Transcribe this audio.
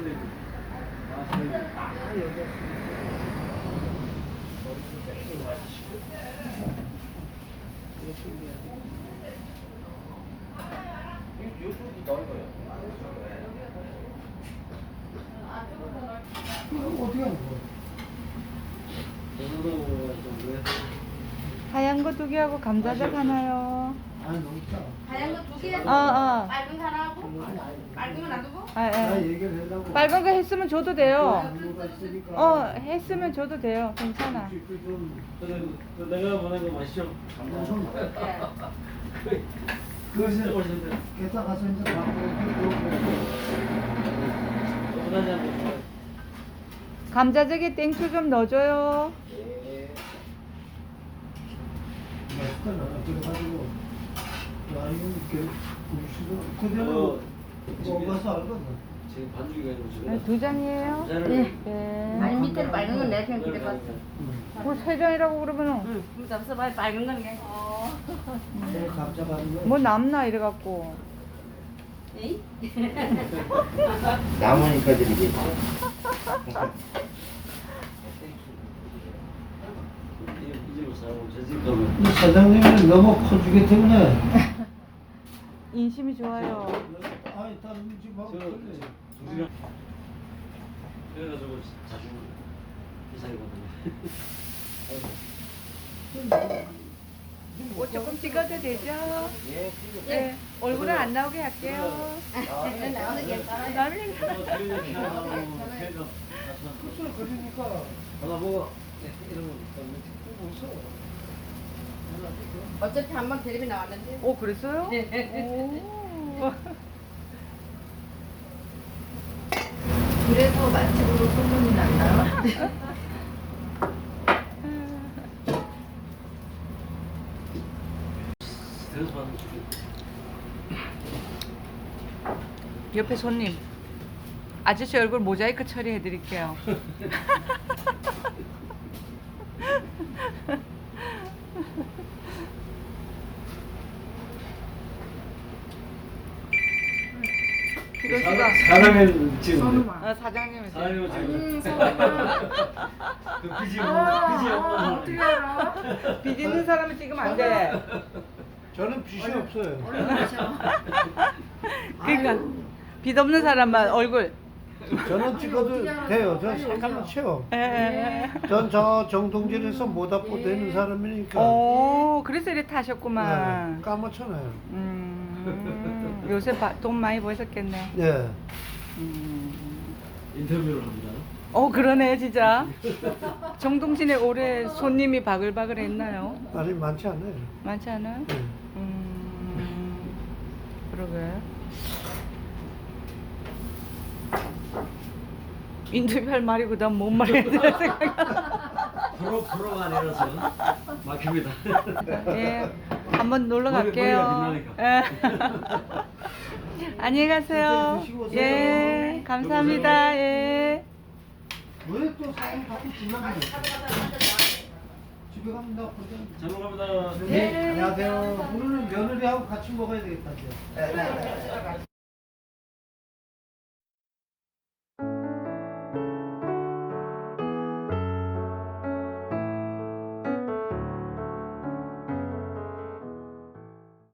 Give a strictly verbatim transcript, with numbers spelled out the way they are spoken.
어떻게 하는 거야? 하얀 거 두 개하고 감자젓 하나요. 아니 너무 짜. 하얀 거 두 개, 어, 어. 빨간 거 하나 하고, 빨간 거 놔두고. 아, 나 예. 얘기를 해달라고. 빨간 거 했으면 줘도 돼요. 이유가 있으니까. 어, 했으면 줘도 돼요. 괜찮아. 음식도 좀 그 내가 보낸 거 맛있죠? 엄청 네. 그것을 게다 가서 이제 갖고 감자젓에 땡초 좀 넣어줘요. 맛있다 나 그래가지고 야 이거 이렇게 음식을 어, 그대로 지금 먹어서 알거든. 지금 반죽이 아니고 지금 네, 두 잔이에요? 네. 네. 아니 밑에 빨간 건 내가 그냥 그래 봤어. 뭐 세 잔이라고 그러면은 응. 그럼 잡숴 봐. 빨간 건 그냥. 내가 감자 가는 거. 뭐 남나 이래갖고. 에이? 남으니까 드리겠지. 이집을 사고 저집 가면 이 사장님이 너무 커주기 때문에 인심이 좋아요. 아니 다른 집하고 저 틀려. 두시간 그래가지고 자주 이사이거든요. 뭐 조금 찍어도 되죠? 네. 얼굴은 안 나오게 할게요. 나오는 괜찮아. 나는 그걸 그러니까 하나 먹어. 이런 거 웃어. 어차피 한 번 텔레비 나왔는데. 오, 그랬어요? 네. 오. 그래서 맛집으로 소문이 났나? 그래서 받는 거 옆에 손님. 아저씨 얼굴 모자이크 처리해 드릴게요. 피로수가 사람의 지금 어, 사장님이 사람이 음, 지금 그 비지 아, 비지 아, 없는 어떻게 알아? 빚 있는 사람을 찍으면 안 돼. 저는 빚이 없어요. 그러니까 빚 없는 사람만 얼굴. 저는 찍어도 돼요. 전 색깔만 채워. 에. 전 저 정동진에서 모다포 되는 사람이니까 오, 그래서 이렇게 타셨구만. 네, 까맣잖아요. 음, 요새 바, 돈 많이 버셨겠네. 네. 음. 인터뷰를 합니다. 어, 그러네, 진짜. 정동진에 올해 손님이 바글바글 했나요? 아니 많지 않아요. 많지 않아요? 네. 음, 그러게. 인터뷰할 말이고 난 뭔 말해야 되나 생각. 프로 프로가 아니라서 막힙니다. 예, 한번 놀러 머리- 갈게요. 머리가 예. 안녕히 가세요. 드시고 오세요. 예, 감사합니다. 예. 왜 또 사람 자꾸 불러가냐? 집에 가면 나 그러잖아. 잘 먹습니다. 네. 안녕하세요. 오늘은 며느리하고 같이 먹어야 되겠다. 이제.